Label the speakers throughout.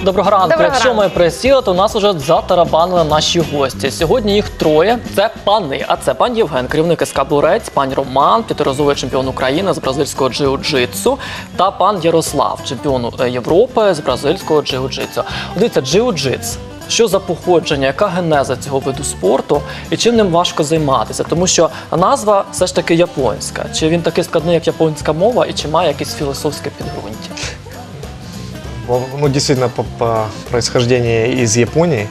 Speaker 1: Доброго ранку. Якщо ми присіли, то у нас вже затарабанили наші гості. Сьогодні їх троє. Це пани. А це пан Євген, керівник СК «Бурець», пан Роман, п'ятиразовий чемпіон України з бразильського джиу-джитсу, та пан Ярослав, чемпіон Європи з бразильського джиу-джитсу. Дивіться, джиу-джитс. Що за походження, яка генеза цього виду спорту і чим ним важко займатися? Тому що назва все ж таки японська. Чи він такий складний, як японська мова, і чи має якесь філософське підґрунтя?
Speaker 2: Ну, действительно, по происхождению из Японии.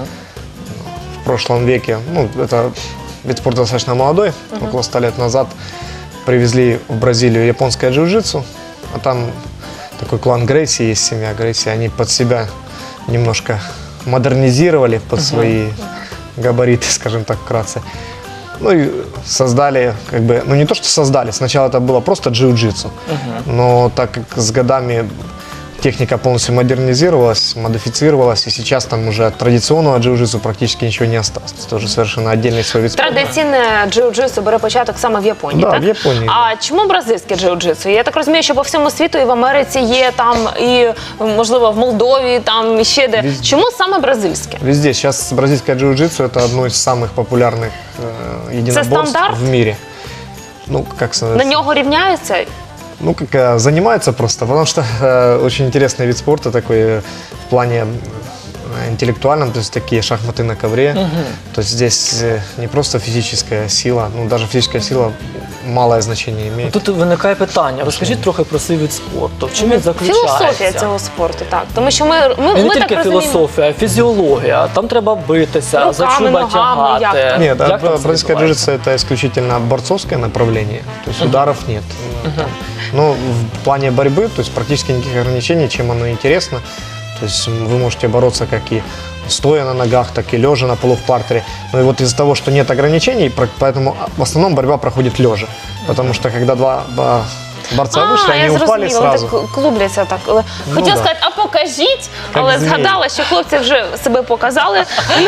Speaker 2: В прошлом веке, ну, это вид спорта достаточно молодой, около 100 лет назад привезли в Бразилию японское джиу-джитсу, а там такой клан Грейси, есть семья Грейси, они под себя немножко модернизировали под свои габариты, скажем так, вкратце. Ну и создали, как бы, ну не то, что создали, сначала это было просто джиу-джитсу, но так как с годами техника полностью модернизировалась, модифицировалась, и сейчас там уже от традиционного джиу-джитсу практически ничего не осталось. Это уже совершенно отдельный свой вид спорта.
Speaker 3: Традиційне джиу-джитсу бере початок саме в Японії,
Speaker 2: Да,
Speaker 3: так?
Speaker 2: в Японії.
Speaker 3: А чому бразильське джиу-джитсу? Я так розумію, що по всьому світу і в Америці є там, і, можливо, в Молдові, там, і ще де. Чому саме бразильське?
Speaker 2: Везде. Сейчас бразильское джиу-джитсу это одно из самых популярных единоборств
Speaker 3: стандарт?
Speaker 2: в мире. Ну, как сказать?
Speaker 3: На нього рівняються?
Speaker 2: Ну, как занимаются просто, потому что очень интересный вид спорта такой в плане интеллектуальном, то есть такие шахматы на ковре. То есть здесь не просто физическая сила, ну даже физическая сила малое значение имеет.
Speaker 1: Тут виникає питання. Розкажіть трохи про цей вид спорту. В чим він заключається?
Speaker 3: Філософія цього спорту, так. Тому що ми
Speaker 1: І не
Speaker 3: так
Speaker 1: тільки
Speaker 3: розуміємо.
Speaker 1: філософія, а фізіологія. Там треба битися, за
Speaker 3: Руками,
Speaker 1: чуба
Speaker 3: ногами, як
Speaker 1: тягати.
Speaker 3: там?
Speaker 2: Нет,
Speaker 1: Як там це
Speaker 2: бразильское
Speaker 1: відбувається?
Speaker 2: джиу-джитсу это исключительно борцовское направление, то есть ударов нет. Но в плане борьбы, то есть практически никаких ограничений, чем оно интересно. То есть вы можете бороться как и стоя на ногах, так и лежа на полу в партере. Но и вот из-за того, что нет ограничений, поэтому в основном борьба проходит лежа. Потому что когда два борца вышли,
Speaker 3: я
Speaker 2: они упали
Speaker 3: зрозуміла, вони
Speaker 2: сразу.
Speaker 3: так клубляться так. Хотіла
Speaker 2: да.
Speaker 3: сказати, а покажіть, але
Speaker 2: змії.
Speaker 3: згадала, що хлопці вже себе показали.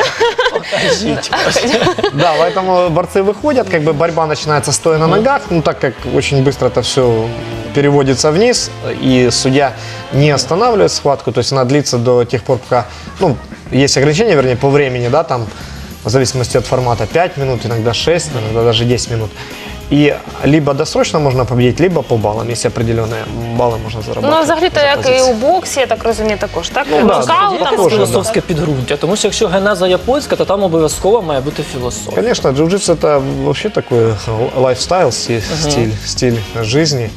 Speaker 2: Да, поэтому борцы выходят, как бы борьба начинается стоя на ногах, ну так как очень быстро это все переводится вниз, и судья не останавливает схватку, то есть она длится до тех пор, пока, ну, есть ограничения, вернее, по времени, да, там, в зависимости от формата, 5 минут, иногда 6, иногда даже 10 минут. И либо досрочно можно победить, либо по баллам, есть определенные баллы можно заработать.
Speaker 3: Ну, взагалі-то,
Speaker 2: за
Speaker 3: як і
Speaker 2: позиции.
Speaker 3: у боксі, я так розумію, також, так?
Speaker 2: Ну, да,
Speaker 3: Нокаут,
Speaker 1: Є
Speaker 3: там,
Speaker 1: якесь
Speaker 2: Похоже,
Speaker 1: філософське підґрунтя? Тому що якщо генеза японська, то там обов'язково має бути філософія.
Speaker 2: Конечно, джиу-джитсу это вообще такой лайфстайл, стиль жизни.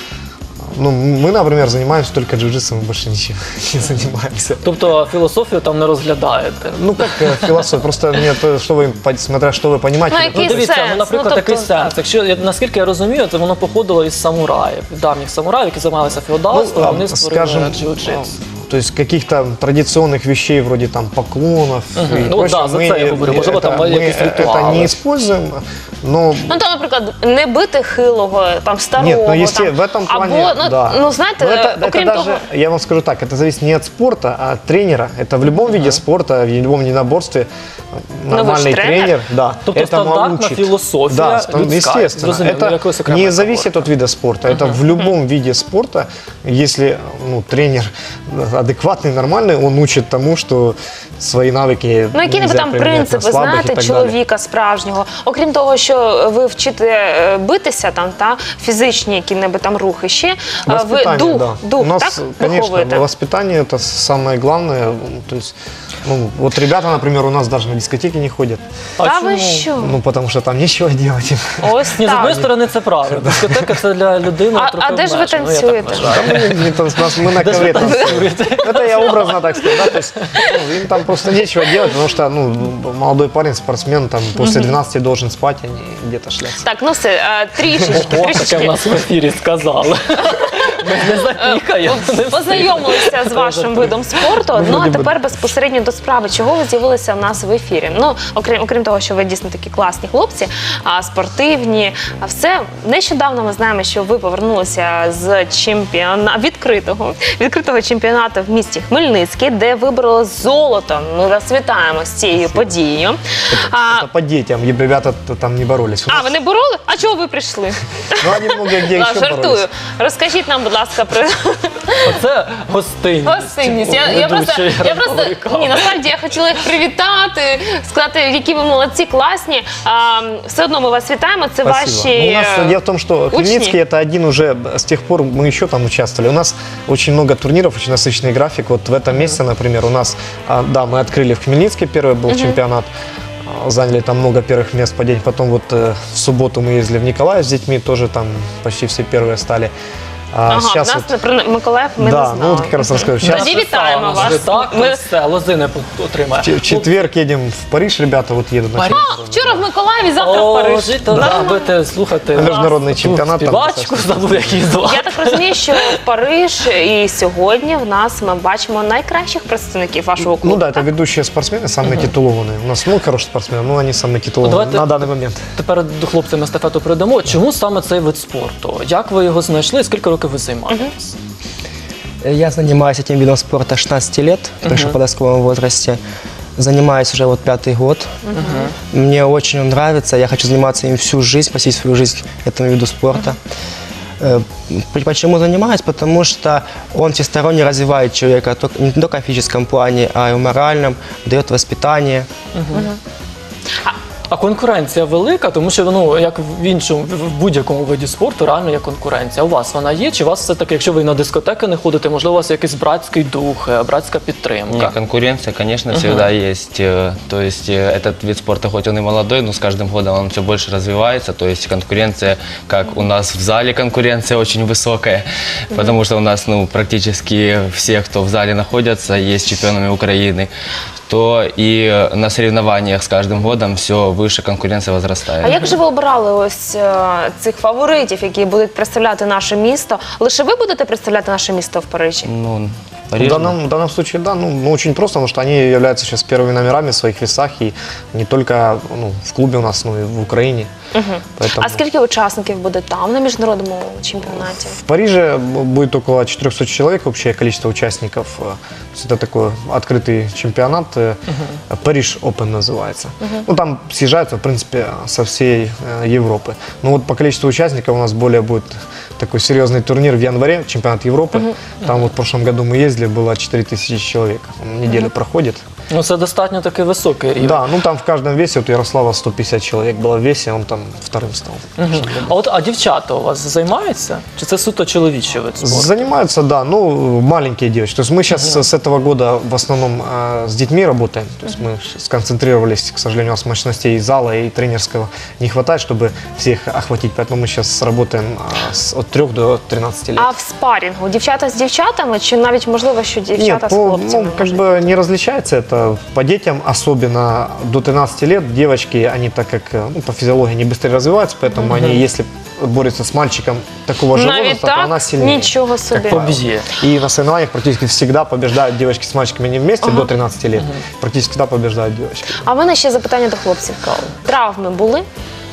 Speaker 2: Ну, мы, например, занимаемся только джиу-джитсу, мы больше ничем не занимаемся.
Speaker 1: Тобто філософію там не розглядаєте.
Speaker 2: Ну, как философия, просто мне то, что вы, смотря что вы понимаете.
Speaker 3: Ну,
Speaker 1: Ну,
Speaker 3: який
Speaker 1: дивіться,
Speaker 3: сенс?
Speaker 1: ну, наприклад,
Speaker 3: Ну, тобто,
Speaker 1: такий сенс. Якщо, наскільки я розумію, то воно походило із самураїв, від давніх самураїв, які займалися феодалством, вони створили джиу-джитсу.
Speaker 2: то есть каких-то традиционных вещей вроде там поклонов и
Speaker 1: Ну,
Speaker 2: прочего,
Speaker 1: да, за це я говорю. Можливо, там
Speaker 2: мы
Speaker 1: якісь
Speaker 2: это
Speaker 1: ритуали.
Speaker 2: не используем, но
Speaker 3: Ну, там, наприклад, не бити хилого, там, старого,
Speaker 2: нет, но если
Speaker 3: там,
Speaker 2: в этом плане,
Speaker 3: або, ну,
Speaker 2: да.
Speaker 3: ну, знаєте,
Speaker 2: Но это
Speaker 3: окрім
Speaker 2: даже,
Speaker 3: того,
Speaker 2: я вам скажу так, это зависит не от спорта, а от тренера. Это в любом виде спорта, в любом единоборстве нормальный
Speaker 3: тренер?
Speaker 2: тренер, да,
Speaker 1: Тобто
Speaker 2: этому
Speaker 1: стандартна
Speaker 2: учит.
Speaker 1: філософія
Speaker 2: Да,
Speaker 1: людська,
Speaker 2: естественно.
Speaker 1: зрозуміло,
Speaker 2: Это
Speaker 1: якоїсь окремої
Speaker 2: не зависит от вида спорта. Это в любом виде спорта, если тренер адекватный, нормальный, он учит тому, что свои навыки
Speaker 3: ну, які
Speaker 2: нельзя
Speaker 3: там
Speaker 2: применять на
Speaker 3: принципи,
Speaker 2: слабых и
Speaker 3: знаєте,
Speaker 2: так далее.
Speaker 3: чоловіка справжнього? Окрім того, що ви вчите битися там, та, фізичні які-небудь там рухи ще, ви
Speaker 2: Воспитание,
Speaker 3: дух,
Speaker 2: да.
Speaker 3: дух,
Speaker 2: У нас,
Speaker 3: так,
Speaker 2: конечно,
Speaker 3: виховуєте?
Speaker 2: воспитание это самое главное. То есть, ну, вот ребята, например, у нас даже на дискотеки не ходят.
Speaker 1: А
Speaker 3: Та
Speaker 1: чому?
Speaker 3: ви що?
Speaker 2: Ну, потому что там нечего делать.
Speaker 3: Ось
Speaker 1: Ні, з одної
Speaker 3: так.
Speaker 1: сторони це правильно. Дискотека це для людини трохи
Speaker 3: А де ж ви
Speaker 1: обмежена. Ну, я так
Speaker 3: танцюєте?
Speaker 1: вважаю.
Speaker 2: Мы на ковре танцуем. Это я образно так сказал, да, то есть им там просто нечего делать, потому что, ну, молодой парень, спортсмен, там, после 12 должен спать, а не где-то шляться.
Speaker 3: Так, ну все, трішечки,
Speaker 1: О, таке в
Speaker 3: трішечки.
Speaker 1: нас в ефірі сказали. Ми не запікаємо.
Speaker 3: Познайомилися з вашим видом спорту. Ну, а тепер безпосередньо до справи. Чого ви з'явилися в нас в ефірі? Ну, окрім того, що ви дійсно такі класні хлопці, спортивні, а все. Нещодавно ми знаємо, що ви повернулися з відкритого чемпіонату в місті Хмельницький, де вибороли золото. Ми вас вітаємо з цією подією.
Speaker 2: Это по детям, ребята там не боролись.
Speaker 3: А, ви не бороли? А чого ви прийшли?
Speaker 2: Ну, они много где еще
Speaker 3: Жартую.
Speaker 2: боролись.
Speaker 3: Розкажіть нам, будь ласка,
Speaker 1: Оце гостинність.
Speaker 3: гостинність. Я просто,
Speaker 1: ранкової кави.
Speaker 3: ні, насправді я хотіла їх привітати, сказати, які ви молодці, класні. Все одно ми вас вітаємо, це
Speaker 2: Спасибо.
Speaker 3: ваші
Speaker 2: Ну, у нас дело в том, что
Speaker 3: учни.
Speaker 2: Хмельницкий это один уже, с тех пор мы еще там участвовали. У нас очень много турниров, очень насыщенный график. Вот в этом месяце, например, у нас, да, мы открыли в Хмельницкий первый был чемпионат. Заняли там много первых мест по день. Потом вот в субботу мы ездили в Николаев с детьми, тоже там почти все первые стали.
Speaker 3: Ага,
Speaker 2: сейчас
Speaker 3: в нас
Speaker 2: вот,
Speaker 3: про Миколаїв ми не
Speaker 2: да,
Speaker 3: знали.
Speaker 2: ну вот как раз расскажу. Сейчас
Speaker 3: Тоді вітаємо вас.
Speaker 1: Так,
Speaker 3: Ми-
Speaker 1: все, лозини отримає.
Speaker 2: в четверг едем в Париж, ребята вот едут на
Speaker 1: Париж.
Speaker 2: чемпионат.
Speaker 3: Вчора в Миколаєві, завтра в
Speaker 1: О,
Speaker 3: Париж.
Speaker 1: жити, робити, слухати.
Speaker 2: Міжнародний
Speaker 1: ту
Speaker 2: чемпіонат там
Speaker 1: Співачку
Speaker 2: достатньо.
Speaker 1: забув, як її звати.
Speaker 3: Я так розумію, що в Париж і сьогодні в нас ми бачимо найкращих представників вашого клубу.
Speaker 2: Ну да, это ведущие спортсмены, самые титулованные. У нас много хороших спортсменов, но они самые титулованные
Speaker 1: давайте-
Speaker 2: на данный момент.
Speaker 1: Тепер до хлопцям естафету передамо. Чому саме цей вид спорту? Як ви його знайшли? Скільки років ви займаєтесь?
Speaker 4: Я занимаюсь этим видом спорта 16 лет, в подростковом возрасте. Занимаюсь уже вот 5-й год. Мне очень он нравится, я хочу заниматься им всю жизнь, посвятить свою жизнь этому виду спорта. Почему занимаюсь? Потому что он всесторонне развивает человека не только в физическом плане, а и в моральном, дает воспитание.
Speaker 1: А конкуренція велика, тому що ну, як в іншому, в будь-якому виді спорту, реально є конкуренція. У вас вона є? Чи у вас все-таки, якщо ви на дискотеки не ходите, можливо, у вас якийсь братський дух, братська підтримка?
Speaker 5: Не, конкуренция, конечно, всегда есть. То есть этот вид спорта, хоть он и молодой, но с каждым годом он все больше развивается. То есть конкуренция, как у нас в зале конкуренция очень высокая, потому что у нас практически все, кто в зале находятся, есть чемпионами Украины. То и на соревнованиях с каждым годом все выше конкуренция возрастает.
Speaker 3: А як же ви обирали ось цих фаворитів, які будуть представляти наше місто? Лише ви будете представляти наше місто в Парижі?
Speaker 5: Ну,
Speaker 2: В
Speaker 5: Париж,
Speaker 2: данном случае, да, ну очень просто, потому что они являются сейчас первыми номерами в своих весах, и не только в клубе у нас, но и в Украине. Поэтому
Speaker 3: А скільки учасників буде там на міжнародному чемпіонаті?
Speaker 2: в Париже будет около 400 человек общее количество участников. То есть это такой открытый чемпионат, Париж Open называется. Ну там съезжаются, в принципе, со всей Европы. Но вот по количеству участников у нас более будет такой серьезный турнир в январе, чемпионат Европы. Там вот в прошлом году мы ездили, было 4000 человек. Он неделю проходит.
Speaker 1: Ну, це достатньо такий високий рівень.
Speaker 2: Да, ну там в каждом весе, вот Ярослава 150 человек было в весе, он там вторым стал.
Speaker 1: А дівчата у вас займаються? Чи це суто чоловічий вид спорту?
Speaker 2: Занимаются, да, ну, маленькие девочки. То есть мы сейчас с этого года в основном с детьми работаем. То есть мы сконцентрировались, к сожалению, у нас мощностей зала и тренерского не хватает, чтобы всех охватить. Поэтому мы сейчас работаем от 3 до 13 лет.
Speaker 3: А в спарінгу дівчата з дівчатами, чи навіть можливо, що дівчата
Speaker 2: Нет,
Speaker 3: з хлопцями?
Speaker 2: как бы не различается это по детям, особенно до 13 лет. Девочки, они так как по физиологии не быстрее развиваются, поэтому они, если борются с мальчиком такого же
Speaker 3: Навіть
Speaker 2: возраста, то
Speaker 3: так?
Speaker 2: она сильнее.
Speaker 3: Нічого собі.
Speaker 1: Поб'є.
Speaker 2: И на соревнованиях практически всегда побеждают девочки с мальчиками не вместе до 13 лет. Практически всегда побеждают девочки.
Speaker 3: А в мене ще запитання до хлопців. Травми були?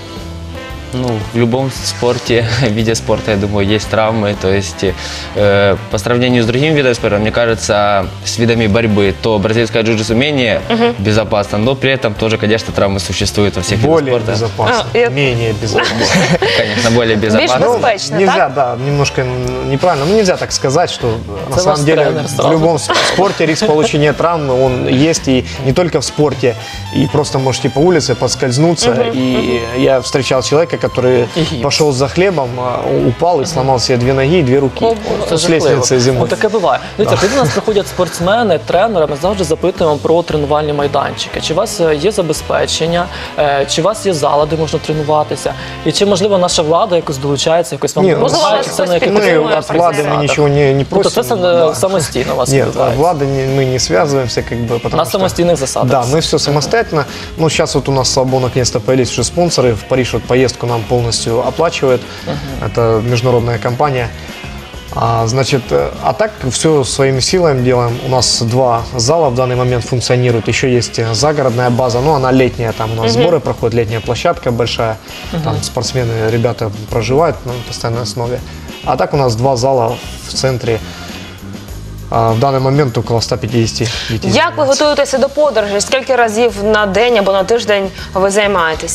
Speaker 5: в любом спорте, виде спорта, я думаю, есть травмы. То есть по сравнению с другими видами спорта, мне кажется, с видами борьбы, то бразильское джиу-джитсу менее безопасно, но при этом тоже, конечно, травмы существуют во всех видах
Speaker 2: Более
Speaker 5: спорта.
Speaker 2: безопасно, менее безопасно.
Speaker 5: Конечно, более безопасно.
Speaker 3: Більш безпечно,
Speaker 2: Нельзя,
Speaker 3: так?
Speaker 2: да, немножко неправильно. Ну, нельзя так сказать, что на
Speaker 1: Это
Speaker 2: самом
Speaker 1: ваш
Speaker 2: деле
Speaker 1: тренер
Speaker 2: в
Speaker 1: сразу.
Speaker 2: любом спорте риск получения травмы, он есть и не только в спорте. И просто можете по улице поскользнуться. И я встречал человека, который
Speaker 1: И гипс.
Speaker 2: пошел за хлебом, упал и сломал себе 2 ноги и 2 руки.
Speaker 1: О, Боже,
Speaker 2: С
Speaker 1: це жахливо.
Speaker 2: лестницы зимой.
Speaker 1: От таке буває. Дивіться, коли до нас приходять спортсмени, тренери, ми завжди запитуємо про тренувальні майданчики. Чи у вас є забезпечення, чи у вас є зала, де можна тренуватися? І чи, можливо, наша влада якось долучається, якось вам
Speaker 2: Ні,
Speaker 1: допомагає,
Speaker 3: можливо,
Speaker 1: чи це на
Speaker 3: якось
Speaker 1: якихось
Speaker 3: підтримує
Speaker 2: Мы от влады мы
Speaker 3: процесс.
Speaker 2: ничего не
Speaker 1: Тобто
Speaker 2: просим.
Speaker 1: це
Speaker 2: Да.
Speaker 1: самостійно у вас
Speaker 2: Нет, от
Speaker 1: відбувається?
Speaker 2: влады мы не связываемся, как бы, потому
Speaker 1: На
Speaker 2: что...
Speaker 1: самостійних засадах.
Speaker 2: Да, мы все самостоятельно. Ну, сейчас вот у нас, слава богу, наконец-то появились уже спонсоры. В Париж вот поездку нам полностью оплачивает. Это международная компания. Значит, а так все своими силами делаем. У нас 2 зала в данный момент функционируют. Еще есть загородная база, но она летняя. Там у нас сборы проходят, летняя площадка большая. Там спортсмены, ребята проживают на постоянной основе. А так у нас 2 зала в центре. В даний момент около 150 дітей.
Speaker 3: Як ви готуєтеся до подорожі? Скільки разів на день або на тиждень ви займаєтеся?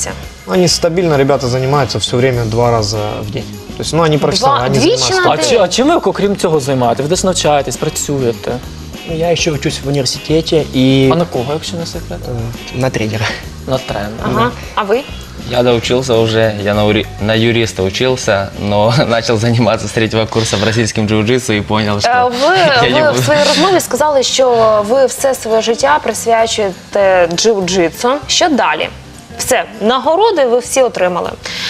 Speaker 2: Они стабильно, ребята занимаются все время 2 раза в день. То есть, ну, они профессионалы, они
Speaker 3: двічі
Speaker 2: занимаются.
Speaker 3: на день?
Speaker 1: А чим ви, окрім цього, займаєтесь? Ви десь навчаєтесь, працюєте?
Speaker 4: Ну, я еще учусь в университете и
Speaker 1: А на кого, якщо не секрет?
Speaker 4: на тренера.
Speaker 1: На тренера.
Speaker 3: Ага. А ви?
Speaker 5: Я доучился уже, я на юриста учился, но начал заниматься с 3-го курса бразильским джиу-джитсу и понял, что я не
Speaker 3: Ви в
Speaker 5: буду.
Speaker 3: своїй розмові сказали, що ви все своє життя присвячуєте джиу-джитсу. Що далі? Все, нагороди ви всі отримали.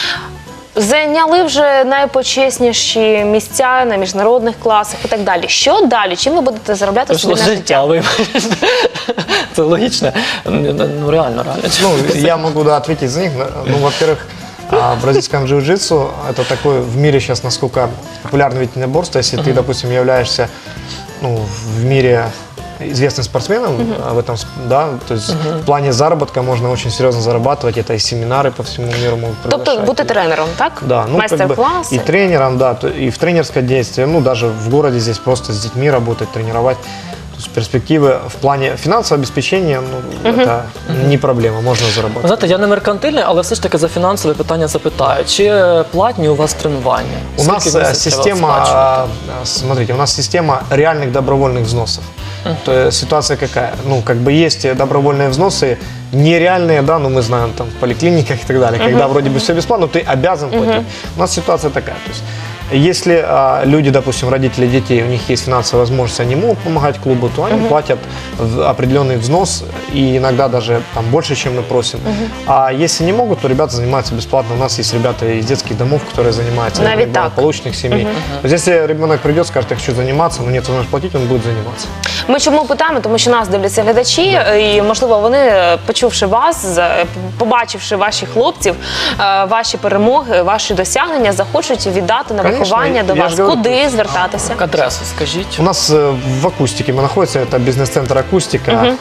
Speaker 3: Зайняли вже найпочесніші місця на міжнародних класах і так далі. Що далі? Чим ви будете заробляти собі
Speaker 1: Пішло
Speaker 3: на життя?
Speaker 1: життя, вибачте. Це логічно. Ну, реально.
Speaker 2: Ну, я могу, да, ответить за них. Ну, во-первых, в бразильском джиу-джитсу это такой в мире сейчас, насколько популярный вид единоборства. Если ты, допустим, являешься, ну, в мире известным спортсменом в этом, да, то есть в плане заработка можно очень серьезно зарабатывать. Это и семинары по всему миру могут
Speaker 3: Тобто
Speaker 2: приглашать.
Speaker 3: бути тренером, так?
Speaker 2: Да, ну, как бы
Speaker 3: Майстер-класи.
Speaker 2: и тренером, да, и в тренерское действие, ну, даже в городе здесь просто с детьми работать, тренировать. То есть перспективы в плане финансового обеспечения, ну, это не проблема, можно
Speaker 1: Ви
Speaker 2: заработать.
Speaker 1: знаєте, я не меркантильний, але все ж таки за фінансове питання запитаю. Чи платні у вас тренування?
Speaker 2: У нас
Speaker 1: Скільки в місяць треба
Speaker 2: система,
Speaker 1: сплачувати?
Speaker 2: смотрите, у нас система реальных добровольных взносов. То есть ситуация какая? Ну, как бы есть добровольные взносы, нереальные, да, ну мы знаем там в поликлиниках и так далее, когда вроде бы все бесплатно, но ты обязан платить. У нас ситуация такая, то есть если люди, допустим, родители детей, у них есть финансовая возможность, они могут помогать клубу, то они платят определенный взнос и иногда даже там больше, чем мы просим. А если не могут, то ребята занимаются бесплатно. У нас есть ребята из детских домов, которые занимаются,
Speaker 3: Навіть так.
Speaker 2: благополучных семей. То есть если ребенок придет, скажет, я хочу заниматься, но нет возможности платить, он будет заниматься.
Speaker 3: Ми чому питаємо? Тому що нас дивляться глядачі, і можливо вони, почувши вас, побачивши ваших хлопців, ваші перемоги, ваші досягнення, захочуть віддати на
Speaker 2: Конечно,
Speaker 3: виховання до
Speaker 2: я
Speaker 3: вас.
Speaker 2: ж говорю,
Speaker 3: Куди звертатися?
Speaker 1: Адресу скажіть.
Speaker 2: У нас в Акустике мы находимся, это бизнес-центр Акустика,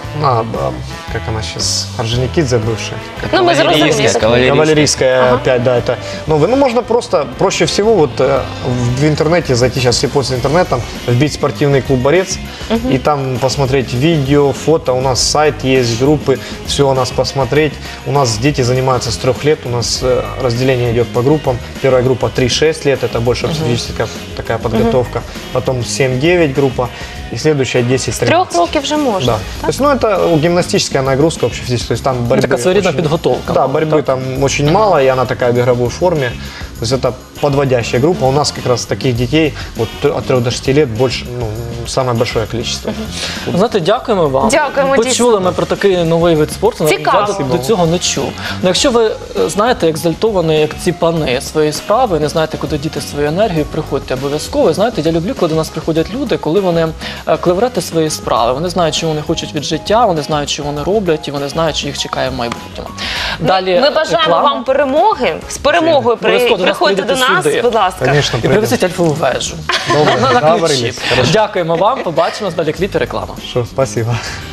Speaker 2: как она сейчас, Орджоникидзе бывший.
Speaker 3: Ну, ми зрозуміли.
Speaker 2: Кавалерийская 5, да, это новый. Ну, можно просто, проще всего, вот в интернете зайти, сейчас все пользуются интернетом, вбить спортивный клуб «Борец», и там посмотреть видео, фото, у нас сайт есть, группы, все у нас посмотреть. У нас дети занимаются с 3 лет, у нас разделение идет по группам. Первая группа 3-6 лет, это больше психологическая такая подготовка. Потом 7-9 группа, и следующая 10-13.
Speaker 3: З 3 років вже можна.
Speaker 2: Да. То есть, ну, это гимнастическая нагрузка вообще здесь. То есть там борьбы
Speaker 1: Така своєрідна
Speaker 2: очень-
Speaker 1: підготовка.
Speaker 2: Да, борьбы там очень мало, и она такая в игровой форме. То есть это подводящая группа. У нас как раз таких детей вот от 3 до 6 лет больше, ну, самое большое количество.
Speaker 1: Знаєте, дякуємо вам.
Speaker 3: Дякуємо,
Speaker 1: Почули
Speaker 3: дійсно.
Speaker 1: ми про такий новий вид спорту.
Speaker 3: Цікаво.
Speaker 1: Я до цього не чув. Ну, якщо ви знаєте, екзальтовані, як ці пани свої справи, не знаєте, куди діти свою енергію, приходьте обов'язково. Знаєте, я люблю, коли до нас приходять люди, коли вони клеврети свої справи. Вони знають, що вони хочуть від життя, вони знають, що вони роблять, і вони знають, що їх чекає в майбутньому. Далі
Speaker 3: Ми бажаємо
Speaker 1: реклама.
Speaker 3: вам перемоги. З перемогою
Speaker 1: Обов'язково до нас
Speaker 3: приходьте до
Speaker 1: прийдете
Speaker 3: нас,
Speaker 1: сюди.
Speaker 3: будь ласка.
Speaker 2: Конечно,
Speaker 1: І
Speaker 2: придем.
Speaker 1: привезіть альфову вежу.
Speaker 2: Добре,
Speaker 1: На ключі.
Speaker 2: договорились. Хорошо.
Speaker 1: Дякуємо вам. Побачимось далі кліп і реклама.
Speaker 2: Спасибо.